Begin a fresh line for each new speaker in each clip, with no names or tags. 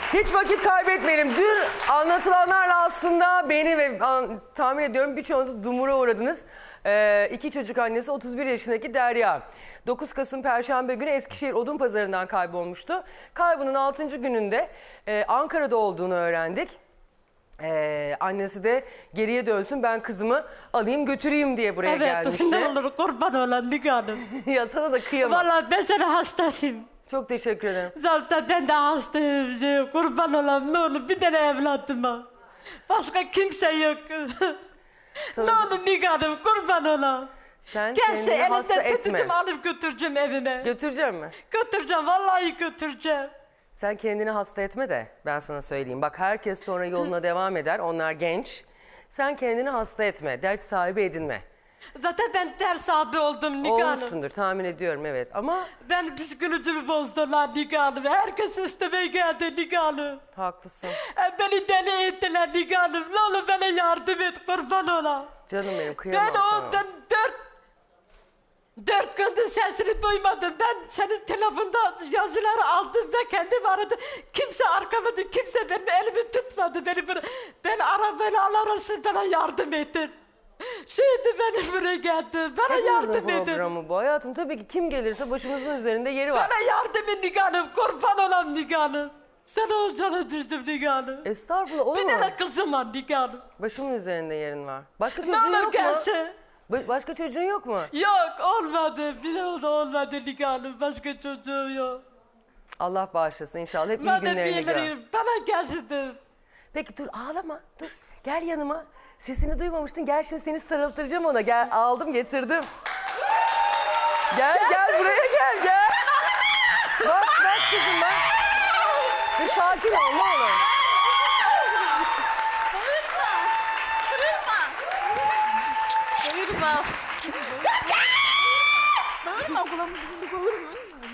Hiç vakit kaybetmeyelim. Dün anlatılanlarla aslında beni ve tahmin ediyorum birçoğunuz dumura uğradınız. İki çocuk annesi 31 yaşındaki Derya. 9 Kasım Perşembe günü Eskişehir Odunpazarı'ndan kaybolmuştu. Kaybının 6. gününde Ankara'da olduğunu öğrendik. Annesi de geriye dönsün, ben kızımı alayım götüreyim diye buraya gelmişti.
Evet, ne olur kurban olan Müge Hanım.
Ya sana da kıyamam.
Vallahi ben sana hastayım.
Çok teşekkür ederim.
Zaten ben de hastayım. Kurban olan ne olur bir tane evladıma. Başka kimse yok. Ne olur Müge Hanım kurban olan.
Sen
Gelse
kendini hasta
elinden
etme.
tutacağım, alıp götüreceğim evime.
Götüreceğim mi?
Götüreceğim, vallahi götüreceğim.
Sen kendini hasta etme de ben sana söyleyeyim. Bak herkes sonra yoluna devam eder. Onlar genç. Sen kendini hasta etme. Dert sahibi edinme.
Zaten ben ders abi oldum Müge Hanım.
Olmuşsundur tahmin ediyorum, evet. Ama
Ben psikolojimi bozdular Müge Hanım. Herkes üstüme geldi Müge Hanım.
haklısın.
Beni deli ettiler Müge Hanım. Ne olur bana yardım et kurban ola.
Canım benim, kıyamam
Ben
sana.
ondan dört gündür sesini duymadım. Ben senin telefonda yazıları aldım ve kendim aradım. Kimse arkamadı, kimse benim elimi tutmadı. Ben arabayla arası bana yardım edin. Şimdi benim buraya geldi. Bana
Hepimizin
yardım edin.
programı bu hayatım. Tabii ki kim gelirse başımızın üzerinde yeri var.
Bana yardım et Müge Hanım. Kurban olam Müge Hanım. Sen olacağını düştüm Müge Hanım.
Estağfurullah, olur
Bir
mu?
tane kızım var Müge Hanım.
Başımın üzerinde yerin var. Başka
Ne
çocuğun
olur
yok mu?
gelse.
Başka çocuğun yok mu?
Yok olmadı. Bir olmadı Müge Hanım. Başka çocuğum yok.
Allah bağışlasın inşallah. Hep iyi
Madem
günlerini gör.
bilirim, bana gelsin de.
Peki dur, ağlama. Dur, gel yanıma. Sesini duymamıştın. Gel şimdi seni sarıltıracağım ona. Gel, aldım getirdim. Gel buraya gel. Bak kızım bak. Bir sakin ol ne olur.
Bağırma. Bağırma kulağımı dizinde bağırma.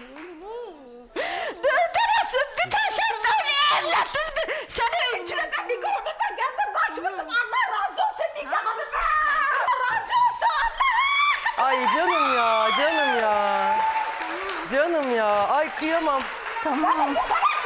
Döndürürsün bir taşın böyle evladım. Seni öldüremem Niko onu ben geldim başvurdum. Allah razı olsun Niko Hanım. Allah razı olsun Allah.
Ay canım ya. Canım ya. Ay kıyamam.
Tamam.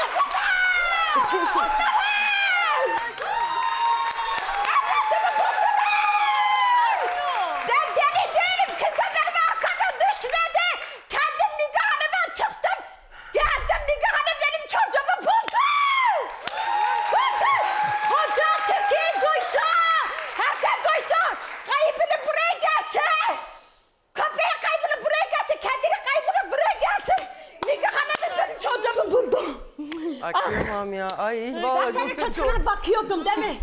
Ben deli değilim. Kimse benim arkama düşmedi. Kendim Niko Hanım'a çıktım. Geldim Niko Hanım benim çocuğumu buldu. Buldu. Koca Türkiye duysa. Herkes duysa. Kaybını buraya gelsin. Köpeğe kaybını buraya gelsin. Kendini kaybını buraya gelsin. Niko Hanım benim çocuğumu buldu.
Ay kıyamam ya. Ay
Ben
vallahi
senin
çok kötü oldu.
çocuğuna bakıyordum değil mi?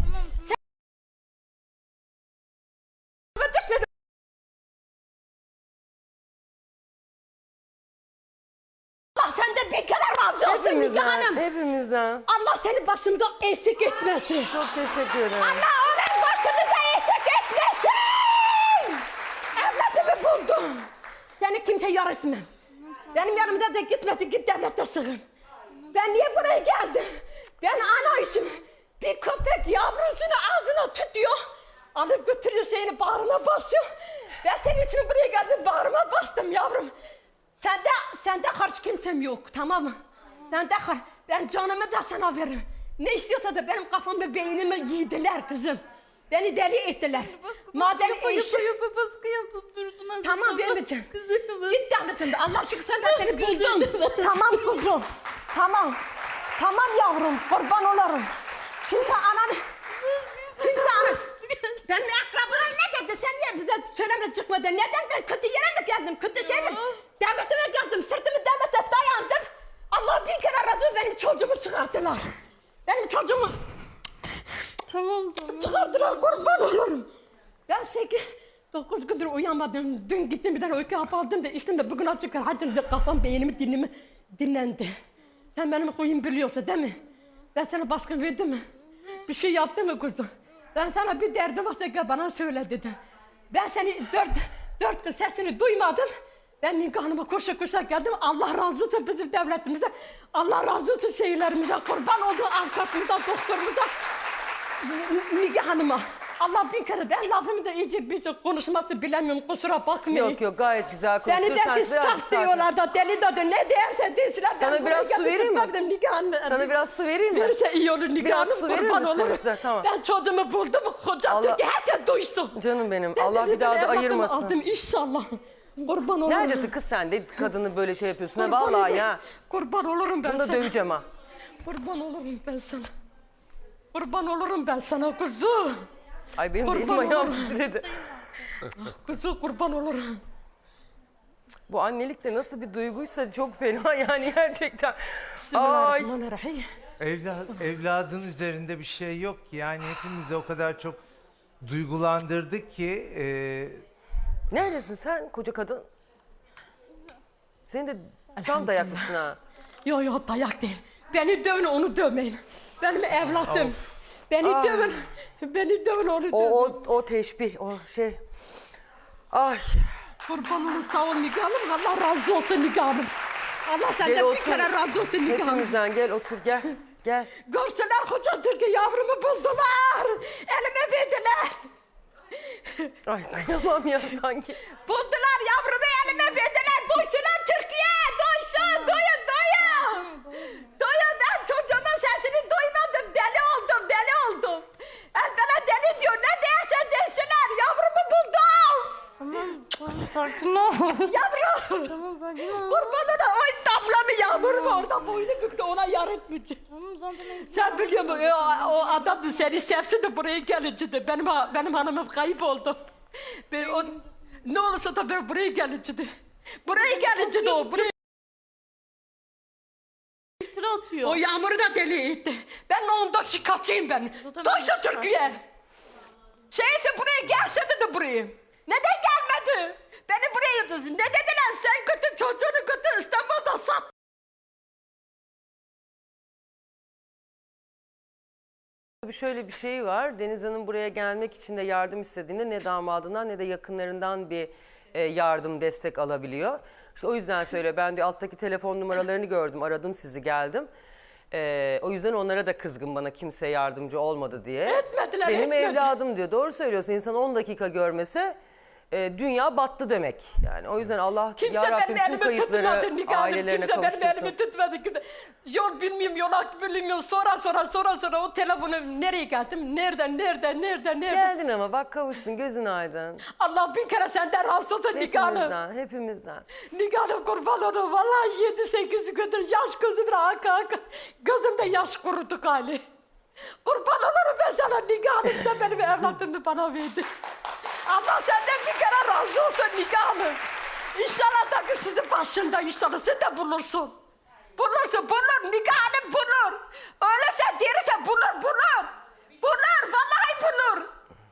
Allah senden bir kere razı olsun Müge Hanım.
Hepimizden.
Allah seni başımda eksik etmesin.
Çok teşekkür ederim.
Allah onun başımıza eksik etmesin. Evlatımı buldum. Seni kimse yar etmem. Benim yanımda da gitmedi, git devlette sığın. Ben niye buraya geldim? Ben ana için bir köpek yavrusunu ağzına tutuyor. Alıp götürüyor şeyini bağrına basıyor. Ben senin için buraya geldim, bağrıma bastım yavrum. Sende karşı kimsem yok, tamam mı? Ben canımı da sana veririm. Ne istiyorsa da benim kafamda beynimi yediler kızım. Beni deli ettiler. Madem eşi...
Baskı yapıp durdun.
Tamam vermeyeceğim.
Kızım.
Git devletinde. Allah aşkına ben seni buldum. Tamam kuzum. Tamam. Tamam yavrum. Kurban olurum. Kimse anan... Benim akrabalar ne dedi? Sen niye bize söyleme çıkmadı? Neden ben kötü yere mi geldim? Kötü şey mi? Devletime geldim. Sırtımı devlete dayandım. Allah bir kere razı benim çocuğumu çıkarttılar. Benim çocuğumu
Tamam.
çıkarttılar. Kurban olurum. Ben 9 gündür uyanmadım. Dün gittim bir tane uyku hapı aldım da içtim de bugün açık hadi de kafam beynimi dinlendi. Sen benim huyum biliyorsun değil mi? Ben sana baskın verdim mi? Bir şey yaptın mı kuzum? Ben sana bir derdim varsa gel bana söyle dedi. Ben seni dört gün sesini duymadım. Ben Niko Hanım'a koşa geldim. Allah razı olsun bizim devletimize. Allah razı olsun şehirlerimize. Kurban olduğu avukatımıza, doktorumuza. Niko Hanım'a. Allah bin kere ben lafımı da iyice bir konuşması bilemiyorum kusura bakmayın.
Yok yok gayet güzel
Beni
konuşuyorsun.
belki saf diyorlar da deli de ne derse desinler.
Sana biraz su vereyim mi?
mi?
Sana biraz su vereyim mi?
Verirse iyi olur Nigar
Biraz
Hanım
su verir
kurban
misin?
olurum.
Size, tamam.
Ben çocuğumu buldum koca
Allah-
Türkiye herkes duysun.
Canım benim.
Ben
Allah
de
bir daha da
evlatımı
ayırmasın.
Aldım inşallah. Kurban olurum.
Neredesin kız sen de kadını böyle şey yapıyorsun ha
Kurban
vallahi
olurum.
ya.
Kurban olurum ben
Bunu da
sana.
döveceğim ha.
Kurban olurum ben sana. Kurban olurum ben sana kuzu.
Ay benim de elim
Kurban
ayağım
olurum.
titredi.
Kuzu kurban olurum.
Bu annelik de nasıl bir duyguysa çok fena yani gerçekten. Ay.
Bismillahirrahmanirrahim.
Evladın üzerinde bir şey yok ki. Yani hepimizi o kadar çok duygulandırdı ki
Neredesin sen koca kadın? Senin de tam dayaklısın ha.
Yo yo dayak değil. Beni dövün onu dövmeyin. Benim evladım. Beni dövün. Beni dövün onu dövün.
O teşbih o şey. Ay.
Kurban olun sağ ol Nigar Hanım. Allah razı olsun Nigar Hanım. Allah
Gel
senden bir
otur.
kere razı olsun Nigar Hanım.
Hepimizden gel otur gel. Gel.
Görseler koca Türkiye yavrumu buldular. Elime verdiler.
Ay kıyamam ya sanki.
Buldular yavrumu elime verdiler. Duysunlar Türkiye. Duysun. Duyun duyun. Duyun ben çocuğumun sesini duymadım. Deli oldum deli oldum. Bana deli diyor. Ne derse desinler. Yavrumu buldum.
Tamam sakin ol.
Yavrum.
Tamam sakin ol.
Kurbanına oy damlamı yağmurum orada boynu büktü ona yar etmeyecek.
Tamam zaten
Sen biliyor musun o adam da seni sevsin de buraya gelince de benim hanımım kayıp oldu. Ne olursa da ben buraya gelince de. Buraya gelince de o buraya.
iftira atıyor.
O yağmuru da deli etti. Ben onda şikayetçiyim ben.
Zaten
Duysun
ben de
Türkiye. Şeyse buraya gelse de buraya. Neden gelmedi? Beni buraya yıldızın. Ne dediler sen kötü çocuğunu kötü İstanbul'da sat.
Tabii şöyle bir şey var. Deniz Hanım buraya gelmek için de yardım istediğinde ne damadından ne de yakınlarından bir yardım, destek alabiliyor. İşte o yüzden söyle ben de alttaki telefon numaralarını gördüm, aradım sizi geldim. O yüzden onlara da kızgın bana kimse yardımcı olmadı diye.
Etmediler,
Benim
etmedi.
evladım diyor. Doğru söylüyorsun. İnsan 10 dakika görmese dünya battı demek. Yani o yüzden Allah
Kimse
yarabbim
benim
tüm
elimi tutmadı
kayıpları
Nigar Hanım.
ailelerine
Kimse benim
kavuştursun.
elimi tutmadı. Yol bilmiyorum, yolak bilmiyorum. Sonra o telefonu nereye geldim? Nereden?
Geldin ama bak kavuştun, gözün aydın.
Allah bin kere senden razı olsun Nigar Hanım.
Hepimizden.
Nigar Hanım kurban olun. Vallahi 7-8 gündür yaş gözümle aka. Gözümde yaş kuruduk hali. Kurban olurum ben sana Nigar Hanım. Sen benim evladımı bana verdin. Allah senden bir kere razı olsun Nigar Hanım. İnşallah da sizin başında inşallah sen de bulursun. Bulur Nigar Hanım bulur. Öyleyse derse bulur. Bulur vallahi bulur.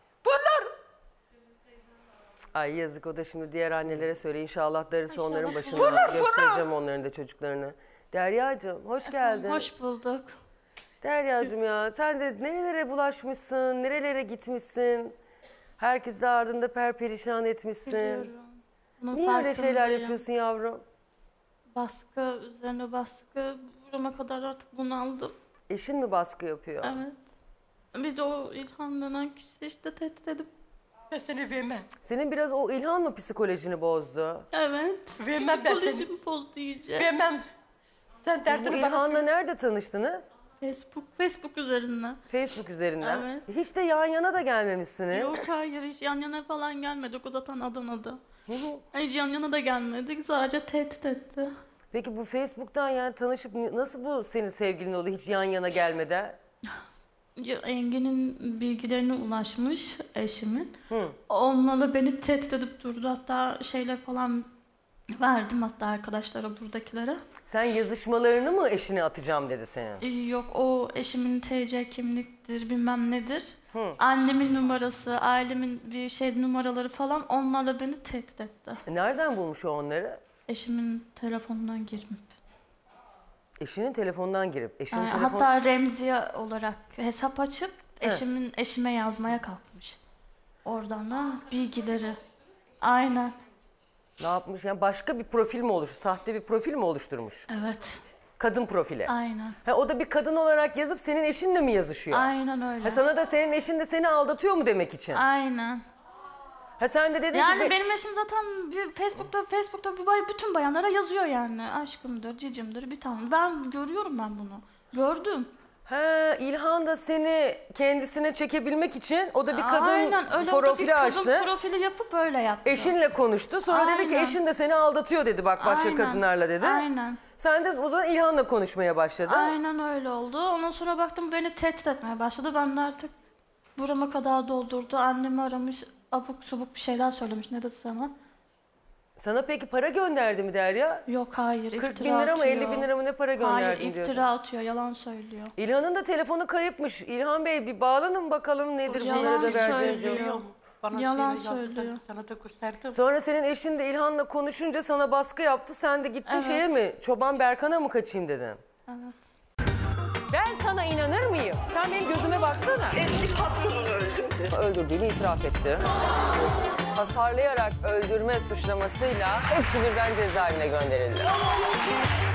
Ay yazık o da şimdi diğer annelere söyle inşallah darısı onların başına
Bulur.
göstereceğim onların da çocuklarını. Deryacığım hoş geldin.
Hoş bulduk.
Deryacığım ya sen de nerelere bulaşmışsın, nerelere gitmişsin. Herkes de ardında perperişan etmişsin.
Biliyorum. Bunun
Niye öyle şeyler
farkındayım.
yapıyorsun yavrum?
Baskı üzerine baskı. Burama kadar artık bunaldım.
Eşin mi baskı yapıyor?
Evet. Bir de o İlhan denen kişi işte tehdit edip.
Ben seni vermem.
Senin biraz o İlhan mı psikolojini bozdu?
Evet.
Vermem ben seni.
Psikolojimi bozdu iyice.
Vermem. Sen
Siz bu
derdini bana
İlhan'la
söyle.
nerede tanıştınız?
Facebook üzerinden.
Facebook üzerinden.
Evet.
Hiç de yan yana da gelmemişsiniz.
Yok hayır hiç yan yana falan gelmedik. O zaten Adana'da. Hiç yan yana da gelmedik. Sadece tehdit etti.
Peki bu Facebook'tan yani tanışıp nasıl bu senin sevgilin oldu hiç yan yana gelmeden?
Engin'in bilgilerine ulaşmış eşimin. Onlarla beni tehdit edip durdu. Hatta şeyler falan verdim hatta arkadaşlara buradakilere.
Sen yazışmalarını mı eşine atacağım dedi senin?
Yok o eşimin TC kimliktir bilmem nedir. Annemin numarası, ailemin bir şey numaraları falan onlarla beni tehdit etti.
Nereden bulmuş o onları?
Eşimin telefonundan girip.
Eşinin telefondan girip. Eşinin telefon...
Hatta Remziye olarak hesap açıp eşime yazmaya kalkmış. Oradan da bilgileri. Aynen.
Ne yapmış? Yani başka bir profil mi oluşturmuş? Sahte bir profil mi oluşturmuş?
Evet.
Kadın profili.
Aynen.
Ha, o da bir kadın olarak yazıp senin eşinle mi yazışıyor?
Aynen öyle.
Ha, sana da senin eşin de seni aldatıyor mu demek için?
Aynen.
Ha, sen de dedin
Yani
ki...
benim eşim zaten Facebook'ta bütün bayanlara yazıyor yani. Aşkımdır, cicimdir, bir tane. Ben görüyorum bunu. Gördüm.
Ha, İlhan da seni kendisine çekebilmek için o da bir kadın
Aynen öyle, o da bir
profili
kadın
açtı.
profili yapıp öyle yaptı.
Eşinle konuştu. Sonra dedi ki
Aynen.
eşin de seni aldatıyor dedi, bak başka
Aynen.
kadınlarla dedi.
Aynen.
Sen de o zaman İlhan'la konuşmaya başladın.
Aynen öyle oldu. Ondan sonra baktım beni tehdit etmeye başladı. Ben de artık burama kadar doldurdu. Annemi aramış, abuk subuk bir şeyler söylemiş. Ne dedi sana?
Sana peki para gönderdi mi Derya?
Yok hayır,
40
iftira
bin lira mı
atıyor.
50 bin lira mı ne para
Hayır,
gönderdim diyordu.
iftira atıyor, yalan söylüyor.
İlhan'ın da telefonu kayıpmış. İlhan Bey bir bağlanın bakalım nedir
Yalan
bunlara da vereceğiniz
söylüyor.
yok.
Bana
Yalan
söyle, yazdı, ben de
söylüyor.
sana da gösterdim.
Sonra senin eşin de İlhan'la konuşunca sana baskı yaptı. Sen de gittin
Evet.
şeye mi? Çoban Berkan'a mı kaçayım dedin?
Evet.
Ben sana inanır mıyım? Sen benim gözüme baksana.
Eski patronunu öldürdü.
Öldürdüğünü itiraf etti. Hasarlayarak öldürme suçlamasıyla hepsi birden cezaevine gönderildi.